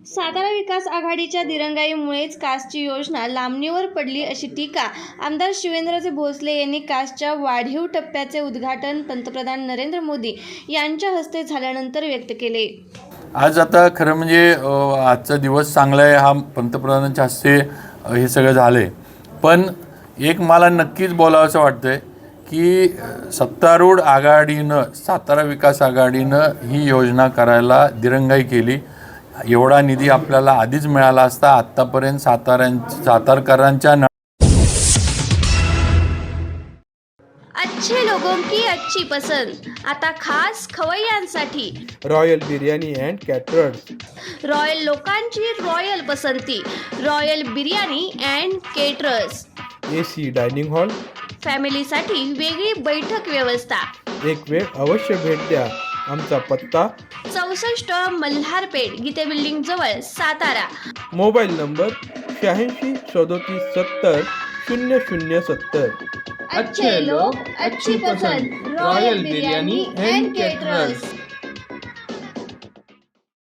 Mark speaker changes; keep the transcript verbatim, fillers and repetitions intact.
Speaker 1: सातारा विकास आघाडीच्या दिरंगाईमुळेच कासची योजना लांबणीवर पडली अशी टीका आमदार शिवेंद्रजी भोसले यांनी कासच्या वाढीव टप्प्याचे उद्घाटन पंतप्रधान नरेंद्र मोदी यांच्या हस्ते झाल्यानंतर व्यक्त केले।
Speaker 2: आज आता खरं म्हणजे आजचा दिवस चांगला आहे, हा पंतप्रधानांच्या हस्ते हे सगळं झाले। पण एक मला नक्कीच बोलावंसं वाटतंय की सत्तारूढ आघाडीनं, सातारा विकास आघाडीनं ही योजना करायला दिरंगाई केली। एवढा निधी आपल्याला आधीच मिळाला असता, आत्तापर्यंत साताऱ्यां सातारकरांच्या
Speaker 1: अच्छे लोगों की अच्छी पसंद आता खास खवय्यांसाठी
Speaker 3: royal biryani and caterers.
Speaker 1: Royal लोकांची रॉयल पसंती, royal biryani and caterers.
Speaker 3: AC dining hall,
Speaker 1: फॅमिलीसाठी वेगळी बैठक व्यवस्था।
Speaker 3: एक वेळ अवश्य भेट द्या। आमचा पत्ता
Speaker 1: चौसष्ट मल्हारपेठ, गीते बिल्डिंग जवळ, सातारा।
Speaker 3: मोबाईल नंबर शहाऐंशी सदोतीस सत्तर शून्य शून्य सत्तर।
Speaker 1: अच्छे लोग अच्छी पसंद, रॉयल बिर्याणी अँड केटरर्स।